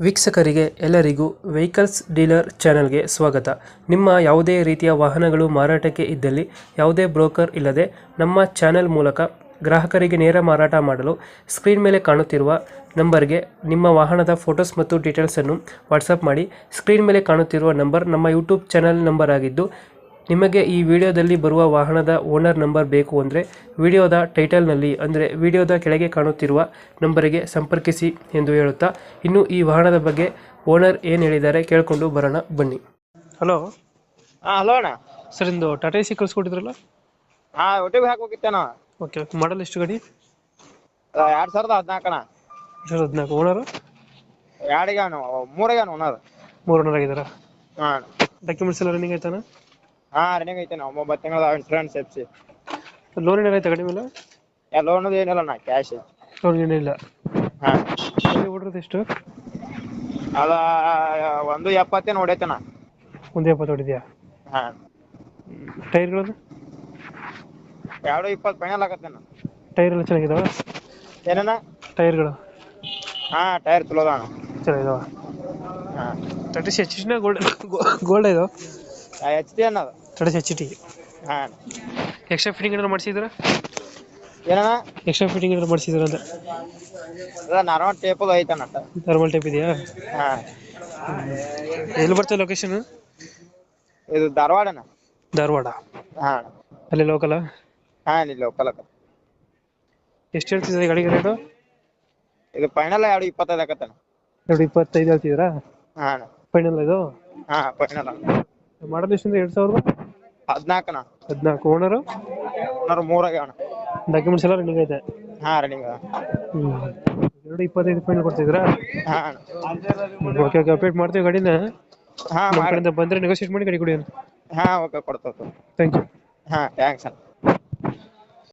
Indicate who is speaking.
Speaker 1: ವೀಕ್ಷಕರಿಗೆ ಎಲ್ಲರಿಗೂ vehicles dealer ಚಾನೆಲ್ಗೆ ಸ್ವಾಗತ. ನಿಮ್ಮ ಯಾವುದೇ ರೀತಿಯ ವಾಹನಗಳು ಮಾರಾಟಕ್ಕೆ ಇದ್ದಲ್ಲಿ ಯಾವುದೇ ಬ್ರೋಕರ್ ಇಲ್ಲದೆ ನಮ್ಮ ಚಾನೆಲ್ ಮೂಲಕ ಗ್ರಾಹಕರಿಗೆ ನೇರ ಮಾರಾಟ ಮಾಡಲು ಸ್ಕ್ರೀನ್ ಮೇಲೆ ಕಾಣುತ್ತಿರುವ ನಂಬರ್ಗೆ ನಿಮ್ಮ ವಾಹನದ ಫೋಟೋಸ್ ಮತ್ತು ಡೀಟೇಲ್ಸನ್ನು ವಾಟ್ಸಪ್ ಮಾಡಿ. ಸ್ಕ್ರೀನ್ ಮೇಲೆ ಕಾಣುತ್ತಿರುವ ನಂಬರ್ ನಮ್ಮ ಯೂಟ್ಯೂಬ್ ಚಾನೆಲ್ ನಂಬರ್ ಆಗಿದ್ದು, ನಿಮಗೆ ಈ ವಿಡಿಯೋದಲ್ಲಿ ಬರುವ ವಾಹನದ ಓನರ್ ನಂಬರ್ ಬೇಕು ಅಂದರೆ ವಿಡಿಯೋದ ಟೈಟಲ್ನಲ್ಲಿ ಅಂದರೆ ವಿಡಿಯೋದ ಕೆಳಗೆ ಕಾಣುತ್ತಿರುವ ನಂಬರಿಗೆ ಸಂಪರ್ಕಿಸಿ ಎಂದು ಹೇಳುತ್ತಾ, ಇನ್ನು ಈ ವಾಹನದ ಬಗ್ಗೆ ಓನರ್ ಏನು ಹೇಳಿದ್ದಾರೆ ಕೇಳಿಕೊಂಡು ಬರೋಣ ಬನ್ನಿ. ಹಲೋ
Speaker 2: ಹಲೋ ಅಣ್ಣ.
Speaker 1: ಸರ್, ಇಂದು ಟಾಟಾ ಎಸಿ ಕಳಿಸ್ಕೊಟ್ಟಿದ್ರಲ್ಲ?
Speaker 2: ಒಟ್ಟಿಗೆ ಹಾಕೋಗಿತ್ತೇನ.
Speaker 1: ಓಕೆ, ಮಾಡಲ್ ಎಷ್ಟು ಗಾಡಿ?
Speaker 2: 2014 ಅಣ್ಣ.
Speaker 1: 2014. ಓನರು?
Speaker 2: ಮೂರಿಗೆ ಓನರ್.
Speaker 1: 3 ಓನರ್ ಆಗಿದ್ದಾರಾ?
Speaker 2: ಹಾಂ.
Speaker 1: ಡಾಕ್ಯುಮೆಂಟ್ಸ್ ಎಲ್ಲ ರನ್ನಿಂಗ್ ಆಯ್ತಾನ?
Speaker 2: ರನ್ನಿಂಗ್ ಐತೆ ನಾವು 9 ತಿಂಗಳ ಇನ್ಶೂರೆನ್ಸ್ ಎಪ್ಸಿ.
Speaker 1: ಲೋನ್ ಏನಾರ ಆಯ್ತಾ ಗಾಡಿ ಮೇಲೆ?
Speaker 2: ಲೋನ್ ಏನಿಲ್ಲ ಅಣ್ಣ, ಕ್ಯಾಶ್ ಐತಿ.
Speaker 1: ಲೋನ್ ಏನಿಲ್ಲ.
Speaker 2: ಹಾಂ.
Speaker 1: ಓಡಿರೋದು ಎಷ್ಟು?
Speaker 2: ಅದ 170 ಹೊಡೈತಣ್ಣ.
Speaker 1: 170 ಹೊಡಿದ್ಯಾ?
Speaker 2: ಹಾಂ.
Speaker 1: ಟೈರ್ಗಳು?
Speaker 2: 220 ಫೈನಲ್ ಆಗತ್ತೇನ.
Speaker 1: ಟೈರ್ ಎಲ್ಲ ಚೆನ್ನಾಗಿದಾವ?
Speaker 2: ಏನಣ್ಣ?
Speaker 1: ಟೈರ್ಗಳು?
Speaker 2: ಟೈರ್ ಚಲೋ ಅದ ಅಣ್ಣ.
Speaker 1: ಚೆನ್ನಾಗಿದಾವ?
Speaker 2: ಹಾಂ.
Speaker 1: ಟಾಟಾ ಎಚ್ ಟಿನ ಗೋಲ್ಡ್ ಇದು?
Speaker 2: ಎಚ್ ಟಿ ಅನ್ನೋದು.
Speaker 1: Tata H T.
Speaker 2: ಹಾಂ.
Speaker 1: ಎಕ್ಸ್ಟ್ರಾ ಫಿಟ್ಟಿಂಗ್ ಏನಾದ್ರು ಮಾಡಿಸಿದ್ರ?
Speaker 2: ಏನಣ್ಣ?
Speaker 1: ಎಕ್ಸ್ಟ್ರಾ ಫಿಟ್ಟಿಂಗ್ ಏನಾದ್ರು ಮಾಡಿಸಿದ್ರ ಅಂತ?
Speaker 2: ನಾರ್ಮಲ್ ಟೇಪದು ಐತಣ್ಣ.
Speaker 1: ನಾರ್ಮಲ್ ಟೈಪ್ ಇದೆಯಾ?
Speaker 2: ಹಾಂ.
Speaker 1: ಎಲ್ಲಿ ಬರ್ತದೆ ಲೊಕೇಶನ್?
Speaker 2: ಇದು ಧಾರವಾಡನ.
Speaker 1: ಧಾರವಾಡ?
Speaker 2: ಹಾಂ.
Speaker 1: ಅಲ್ಲಿ ಲೋಕಲ್?
Speaker 2: ಹಾಂ, ಇಲ್ಲಿ ಲೋಕಲ್ ಅಕ್ಕ.
Speaker 1: ಎಷ್ಟು ಹೇಳ್ತಿದ್ದೀರಾ ಗಾಡಿಗೆ ರೇಟು?
Speaker 2: ಇದು ಫೈನಲ್ 225 ಆಗತ್ತಣ್ಣ.
Speaker 1: 225 ಹೇಳ್ತಿದ್ದೀರಾ?
Speaker 2: ಹಾಂ.
Speaker 1: ಫೈನಲ್ ಇದು?
Speaker 2: ಹಾಂ, ಫೈನಲ್.
Speaker 1: ಮಾಡಲ್ ಎಷ್ಟಿಂದ? 2014
Speaker 2: ಅಣ್ಣ.
Speaker 1: 14. ಓನರು?
Speaker 2: ಓನರ್ 3 ಆಗ್ಯಾವಣ್ಣ.
Speaker 1: ಡಾಕ್ಯುಮೆಂಟ್ಸ್ ಎಲ್ಲ ರನ್ನಿಂಗ್ ಐತೆ?
Speaker 2: ಹಾಂ, ರನ್ನಿಂಗ್.
Speaker 1: 225 ಫೈನಲ್ ಕೊಡ್ತಿದ್ದೀರಾ?
Speaker 2: ಹಾಂ.
Speaker 1: ಓಕೆ ಓಕೆ, ಅಪ್ಡೇಟ್ ಮಾಡ್ತೀವಿ ಗಾಡಿನ.
Speaker 2: ಹಾಂ,
Speaker 1: ನಮ್ಮ ಕಡೆಯಿಂದ ಬಂದರೆ ನೆಗೋಷಿಯೇಟ್ ಮಾಡಿ ಗಾಡಿ ಕೊಡಿ.
Speaker 2: ಹಾಂ, ಓಕೆ, ಕೊಡ್ತೇವೆ.
Speaker 1: Thank you.
Speaker 2: ಹಾಂ, ಥ್ಯಾಂಕ್ಸ್ ಅಣ್ಣ.